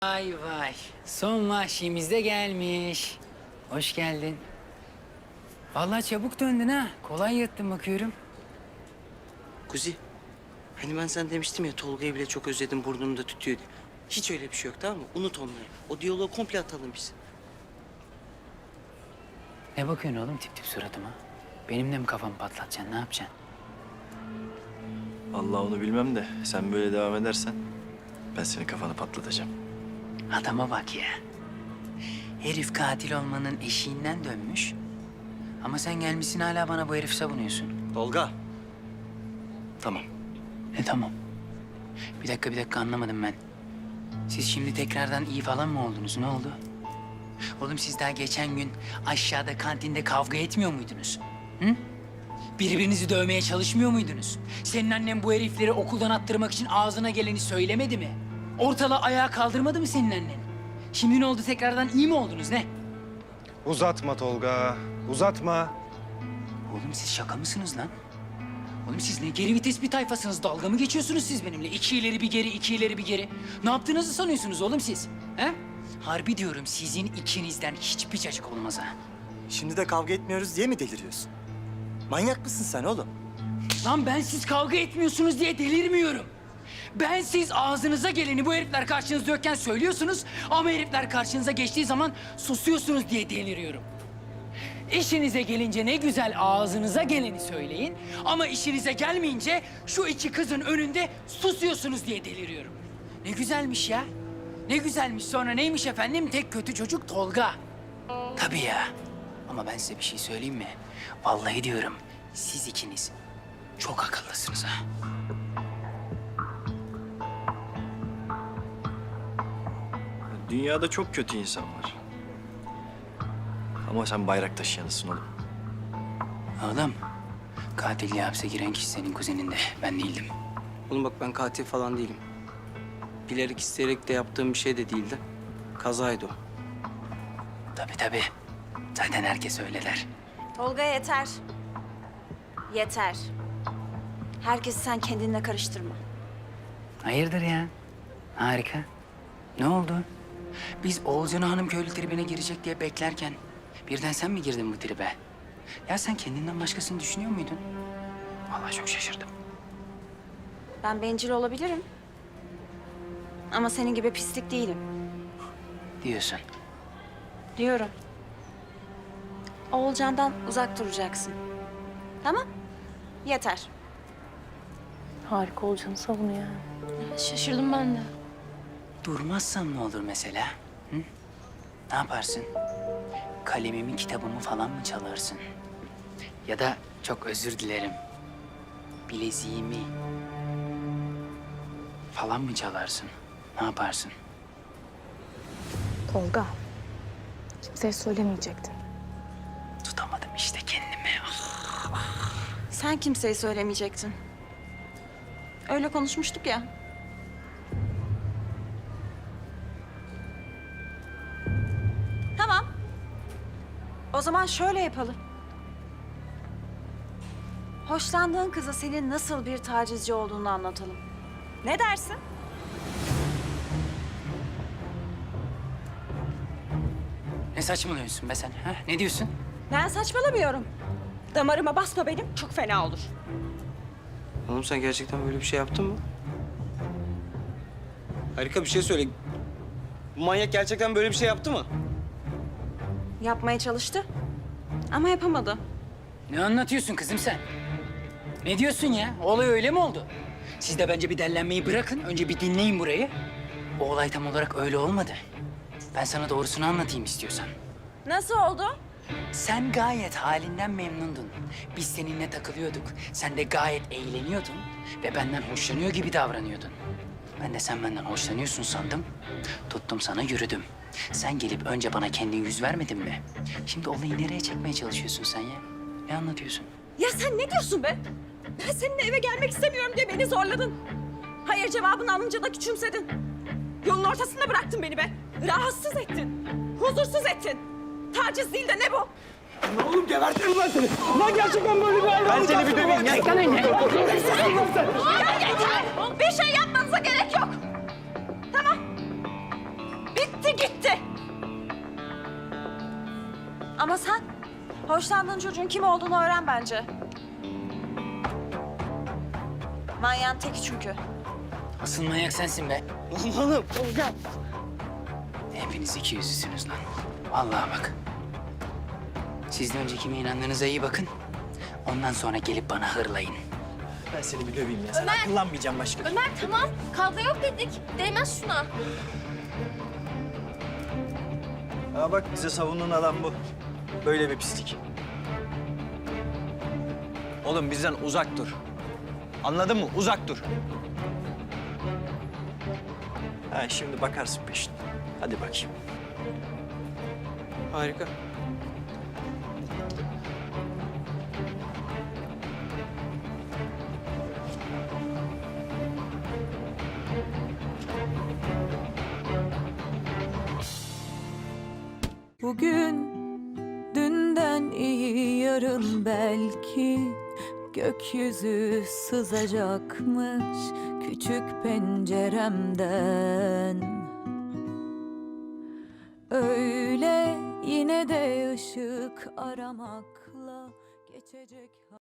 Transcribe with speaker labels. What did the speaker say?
Speaker 1: Vay vay. Son vahşimiz de gelmiş. Hoş geldin. Vallahi çabuk döndün ha. Kolay yattın bakıyorum.
Speaker 2: Kuzi, hani ben sana demiştim ya Tolga'yı bile çok özledim burnumda tütüyor diye. Hiç öyle bir şey yok tamam mı? Unut onları. O diyaloğu komple atalım biz.
Speaker 1: Ne bakıyorsun oğlum tip tip suratıma? Benim de mi kafamı patlatacaksın? Ne yapacaksın?
Speaker 3: Allah onu bilmem de sen böyle devam edersen ben senin kafanı patlatacağım.
Speaker 1: Adama bak ya. Herif katil olmanın eşiğinden dönmüş. Ama sen gelmişsin hala bana bu herifi savunuyorsun.
Speaker 2: Tolga.
Speaker 3: Tamam.
Speaker 1: Ne tamam? Bir dakika anlamadım ben. Siz şimdi tekrardan iyi falan mı oldunuz? Ne oldu? Oğlum siz daha geçen gün aşağıda kantinde kavga etmiyor muydunuz? Hı? Birbirinizi dövmeye çalışmıyor muydunuz? Senin annen bu herifleri okuldan attırmak için ağzına geleni söylemedi mi? Ortalığı ayağa kaldırmadı mı senin annen? Şimdi ne oldu tekrardan iyi mi oldunuz ne?
Speaker 4: Uzatma Tolga, uzatma.
Speaker 1: Oğlum siz şaka mısınız lan? Oğlum siz ne geri vites bir tayfasınız? Dalga mı geçiyorsunuz siz benimle? İki ileri bir geri, iki ileri bir geri. Ne yaptığınızı sanıyorsunuz oğlum siz? He? Harbi diyorum sizin ikinizden hiçbir cacık olmaz ha.
Speaker 5: Şimdi de kavga etmiyoruz diye mi deliriyorsun? Manyak mısın sen oğlum?
Speaker 1: Lan ben siz kavga etmiyorsunuz diye delirmiyorum. Ben siz ağzınıza geleni bu herifler karşınızda yokken söylüyorsunuz ama herifler karşınıza geçtiği zaman susuyorsunuz diye deliriyorum. İşinize gelince ne güzel ağzınıza geleni söyleyin ama işinize gelmeyince şu iki kızın önünde susuyorsunuz diye deliriyorum. Ne güzelmiş ya. Ne güzelmiş. Sonra neymiş efendim? Tek kötü çocuk Tolga. Tabii ya. Ama ben size bir şey söyleyeyim mi? Vallahi diyorum siz ikiniz çok akıllısınız ha.
Speaker 3: Dünyada çok kötü insan var. Ama sen bayrak taşıyanısın oğlum.
Speaker 1: Oğlum, katilliğe hapse giren kişi senin kuzenin de. Ben değildim.
Speaker 2: Oğlum bak ben katil falan değilim. Bilerek isteyerek de yaptığım bir şey de değildi. Kazaydı o.
Speaker 1: Tabii. Zaten herkes öyle der.
Speaker 6: Tolga yeter. Yeter. Herkesi sen kendinle karıştırma.
Speaker 1: Hayırdır ya? Harika. Ne oldu? Biz Oğulcan'ı hanım köylü tribine girecek diye beklerken birden sen mi girdin bu tribe? Ya sen kendinden başkasını düşünüyor muydun? Vallahi çok şaşırdım.
Speaker 6: Ben bencil olabilirim. Ama senin gibi pislik değilim.
Speaker 1: Diyorsun.
Speaker 6: Diyorum. Oğulcan'dan uzak duracaksın. Tamam? Yeter.
Speaker 7: Harika olacağını savunuyor yani. Şaşırdım ben de.
Speaker 1: Durmazsam ne olur mesela? Hı? Ne yaparsın? Kalemimi, kitabımı falan mı çalarsın? Ya da çok özür dilerim. Bileziğimi falan mı çalarsın? Ne yaparsın?
Speaker 7: Tolga, kimseye söylemeyecektin.
Speaker 1: Tutamadım işte kendimi. Ah.
Speaker 6: Sen kimseye söylemeyecektin. Öyle konuşmuştuk ya. Tamam. O zaman şöyle yapalım. Hoşlandığın kıza senin nasıl bir tacizci olduğunu anlatalım. Ne dersin?
Speaker 1: Ne saçmalıyorsun be sen? Ha? Ne diyorsun?
Speaker 6: Ben saçmalamıyorum. Damarıma basma benim, çok fena olur.
Speaker 2: Oğlum sen gerçekten böyle bir şey yaptın mı? Harika bir şey söyle. Bu manyak gerçekten böyle bir şey yaptı mı?
Speaker 6: Yapmaya çalıştı ama yapamadı.
Speaker 1: Ne anlatıyorsun kızım sen? Ne diyorsun ya? Olay öyle mi oldu? Siz de bence bir dellenmeyi bırakın. Önce bir dinleyin burayı. O olay tam olarak öyle olmadı. Ben sana doğrusunu anlatayım istiyorsan.
Speaker 6: Nasıl oldu?
Speaker 1: Sen gayet halinden memnundun. Biz seninle takılıyorduk. Sen de gayet eğleniyordun ve benden hoşlanıyor gibi davranıyordun. Ben de sen benden hoşlanıyorsun sandım. Tuttum sana yürüdüm. Sen gelip önce bana kendin yüz vermedin mi? Şimdi olayı nereye çekmeye çalışıyorsun sen ya? Ne anlatıyorsun?
Speaker 6: Ya sen ne diyorsun be? Ben seninle eve gelmek istemiyorum diye beni zorladın. Hayır cevabını alınca da küçümsedin. Yolun ortasında bıraktın beni be. Rahatsız ettin. Huzursuz ettin. Taciz değil de ne bu?
Speaker 5: Oğlum gebertirim ben seni. Lan gerçekten böyle bir ayrılık. Ben seni bir döveyim ya.
Speaker 6: Ya yeter! Bir şey yapmanıza gerek yok. Tamam. bitti gitti. Ama sen hoşlandığın çocuğun kim olduğunu öğren bence. Manyağın teki çünkü.
Speaker 1: Asıl manyak sensin be.
Speaker 2: Lan oğlum Tolga.
Speaker 1: Hepiniz iki yüzlüsünüz lan. Vallahi bak. Siz de önce kime inandığınıza iyi bakın. Ondan sonra gelip bana hırlayın.
Speaker 3: Ben seni bir döveyim ya. Sen akıllanmayacaksın başka.
Speaker 7: Ömer tamam. Kavga yok dedik. Değmez şuna.
Speaker 3: Aa bak bize savunan adam bu. Böyle bir pislik.
Speaker 5: Oğlum bizden uzak dur. Anladın mı? Uzak dur.
Speaker 3: Ha şimdi bakarsın peşine. Hadi bakayım.
Speaker 2: Harika.
Speaker 8: Bugün dünden iyi yarın belki gökyüzü sızacakmış küçük penceremden. Öyle yine de ışık aramakla geçecek.